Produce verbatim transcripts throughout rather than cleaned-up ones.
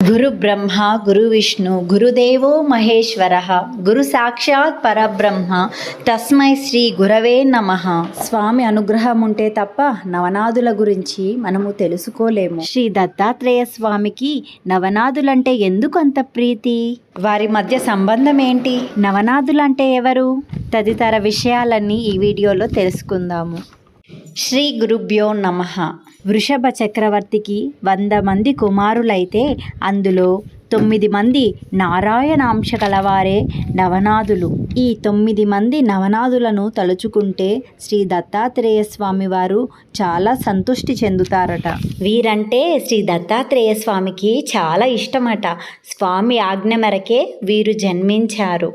గురు బ్రహ్మ గురు విష్ణు గురుదేవో మహేశ్వర గురు సాక్షాత్ పరబ్రహ్మ తస్మై శ్రీ గురవే నమః. స్వామి అనుగ్రహం ఉంటే తప్ప నవనాదుల గురించి మనము తెలుసుకోలేము. శ్రీ దత్తాత్రేయ స్వామికి నవనాదులంటే ఎందుకు అంత ప్రీతి? వారి మధ్య సంబంధం ఏంటి? నవనాదులంటే ఎవరు? తదితర విషయాలన్నీ ఈ వీడియోలో తెలుసుకుందాము. శ్రీ గురుభ్యో నమః. వృషభ చక్రవర్తికి వంద మంది కుమారులైతే అందులో తొమ్మిది మంది నారాయణాంశ గలవారే నవనాదులు. ఈ తొమ్మిది మంది నవనాదులను తలుచుకుంటే శ్రీ దత్తాత్రేయ స్వామి వారు చాలా సంతృష్టి చెందుతారట. వీరంటే శ్రీ దత్తాత్రేయ స్వామికి చాలా ఇష్టమట. స్వామి ఆజ్ఞ మేరకే వీరు జన్మించారు.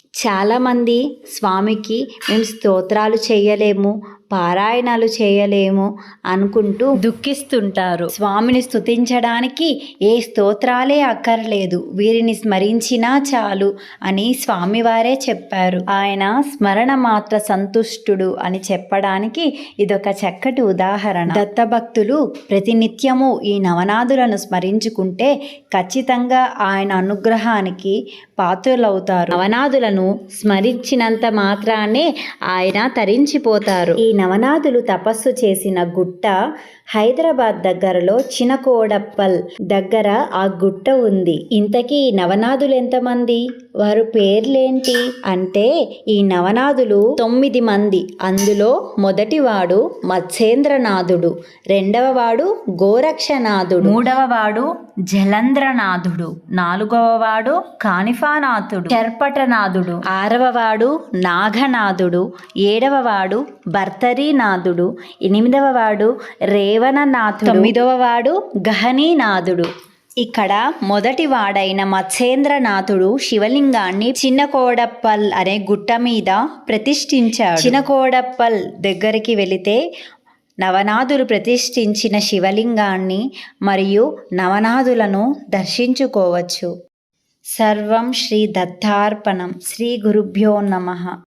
చాలామంది స్వామికి మేము స్తోత్రాలు చేయలేము, పారాయణాలు చేయలేము అనుకుంటూ దుఃఖిస్తుంటారు. స్వామిని స్తుతించడానికి ఏ స్తోత్రాలే అక్కర్లేదు, వీరిని స్మరించినా చాలు అని స్వామివారే చెప్పారు. ఆయన స్మరణ మాత్ర సంతుష్టుడు అని చెప్పడానికి ఇదొక చక్కటి ఉదాహరణ. దత్తభక్తులు ప్రతినిత్యము ఈ నవనాదులను స్మరించుకుంటే ఖచ్చితంగా ఆయన అనుగ్రహానికి పాత్రులవుతారు. నవనాదులను స్మరించినంత మాత్రానే ఆయన తరించిపోతారు. ఈ నవనాదులు తపస్సు చేసిన గుట్ట హైదరాబాద్ దగ్గరలో చినకోడప్పల్ దగ్గర ఆ గుట్ట ఉంది. ఇంతకీ నవనాదులు ఎంతమంది? వారు పేర్లేంటి అంటే, ఈ నవనాదులు తొమ్మిది మంది. అందులో మొదటివాడు మత్స్యేంద్రనాథుడు, రెండవ వాడు గోరక్షనాథుడు, మూడవ వాడు జలంధ్రనాథుడు, నాలుగవ వాడు కానిఫానాథుడు, చర్పటనాథుడు, ఆరవ వాడు నాగనాథుడు, ఏడవ వాడు భర్తరీనాథుడు, ఎనిమిదవ వాడు రేవణనాథుడు, తొమ్మిదవ వాడు గహనీనాథుడు. ఇక్కడ మొదటి వాడైన మత్స్యేంద్రనాథుడు శివలింగాన్ని చిన్నకోడప్పల్ అనే గుట్ట మీద ప్రతిష్ఠించాడు. చిన్నకోడప్పల్ దగ్గరికి వెళితే నవనాదులు ప్రతిష్ఠించిన శివలింగాన్ని మరియు నవనాదులను దర్శించుకోవచ్చు. సర్వం శ్రీ దత్తార్పణం. శ్రీ గురుభ్యో నమః.